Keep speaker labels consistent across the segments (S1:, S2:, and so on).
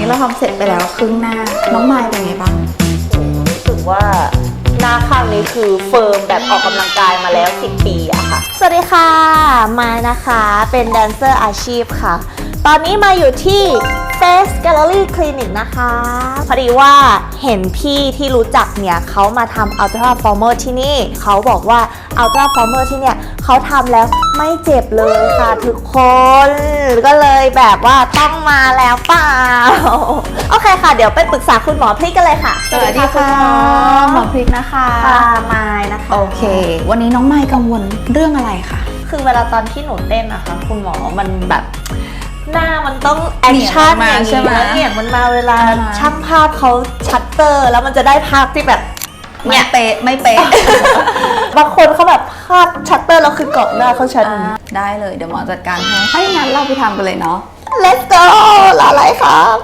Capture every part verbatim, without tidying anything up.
S1: นี้เราทำเสร็จไปแล้วครึ่งหน้าน้องไมล์เป็นไงบ้าง
S2: รู้สึกว่าหน้าข้างนี้คือเฟิร์มแบบออกกำลังกายมาแล้วสิบปีอะค่ะสวัสดีค่ะไมล์นะคะเป็นแดนเซอร์อาชีพค่ะตอนนี้มาอยู่ที่ Face Gallery Clinic นะคะพอดีว่าเห็นพี่ที่รู้จักเนี่ยเขามาทำ Ultra Former ที่นี่เขาบอกว่า Ultra Former ที่เนี่ยเขาทำแล้วไม่เจ็บเลยค่ะทุกคนก็เลยแบบว่าต้องมาแล้วเปล่าโอเคค่ะเดี๋ยวไปปรึกษาคุณหมอพริกกันเลยค่ะ
S1: สวัสดีค่ะหมอพริกนะคะ
S2: ค่ะไมล์นะคะ
S1: โอเควันนี้น้องไมล์กังวลเรื่องอะไรคะ
S2: คือเวลาตอนที่หนูเต้นนะคะคุณหมอมันแบบหน้ามันต้องแอคชั่นอย่างนี้แล้วเนี่ยมันมาเวลาช่างภาพเขาชัตเตอร์แล้วมันจะได้ภาพที่แบบ
S1: ไม่เป๊ะไม่เป๊ะ
S2: บางคนเขาแบบภาพชัตเตอร์แล้วคือเกาะหน้าเขาชัด
S1: ได้เลยเดี๋ยวหมอจัดการให้ถ้าอย่างนั้นเราไปทำกันเลยเนาะ
S2: Let's go รออะไรครับ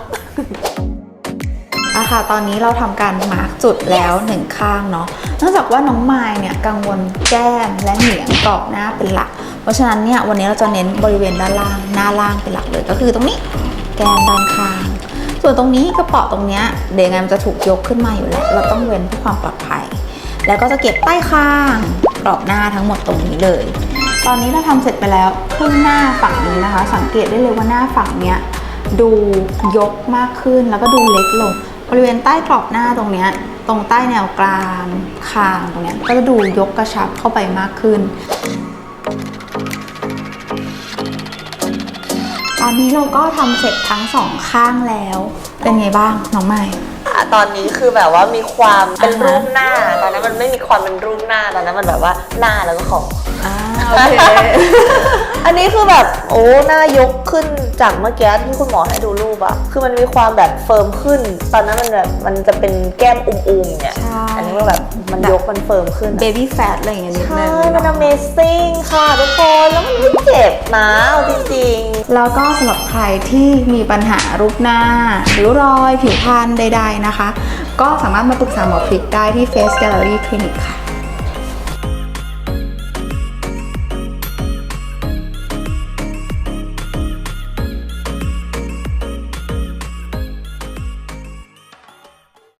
S1: อะค่ะตอนนี้เราทำการมาร์กจุดแล้วหนึ่งข้างเนาะเนื่องจากว่าน้องไมล์เนี่ยกังวลแก้มและเหนียงกรอบหน้าเป็นหลักเพราะฉะนั้นเนี่ยวันนี้เราจะเน้นบริเวณด้านล่างหน้าล่างเป็นหลักเลยก็คือตรงนี้แก้มด้านข้างส่วนตรงนี้กระเป๋าตรงเนี้ยเดี๋ยวไงมันจะถูกยกขึ้นมาอยู่แล้วเราต้องเว้นเพื่อความปลอดภัยแล้วก็จะเก็บใต้คางกรอบหน้าทั้งหมดตรงนี้เลยตอนนี้เราทำเสร็จไปแล้วครึ่งหน้าฝั่งนี้นะคะสังเกตได้เลยว่าหน้าฝั่งเนี้ยดูยกมากขึ้นแล้วก็ดูเล็กลงบริเวณใต้กรอบหน้าตรงเนี้ยตรงใต้แนวกลางคางตรงเนี้ยก็จะดูยกกระชับเข้าไปมากขึ้นตอนนี้เราก็ทำเสร็จทั้งสองข้างแล้วเป็นไงบ้างน้องไมล์
S2: ตอนนี้คือแบบว่ามีความเป็นรูปหน้าตอนนั้นมันไม่มีความเป็นรูปหน้าตอนนั้นมันแบบว่าหน้าแล้วก็ของ
S1: อ่าโอเค
S2: อันนี้คือแบบโอ้หน้ายกขึ้นจากเมื่อกี้ที่คุณหมอให้ดูรูปอะคือมันมีความแบบเฟิร์มขึ้นตอนนั้นมันแบบมันจะเป็นแก้มอุ้มๆเนี่ยอันนี้มันแบบมันยกมันเฟิร์มขึ้น
S1: baby fat อะไรอย่างเงี้ยนิดนึง
S2: ใช่มัน amazing ค่ะทุกคนแล้วมันไม่เจ็บนะจริง
S1: ๆแล้วก็สำหรับใครที่มีปัญหารูปหน้าริ้วรอยผิวพรรณใดๆนะคะก็สามารถมาปรึกษาหมอพริกได้ที่ Face Gallery Clinic ค่ะ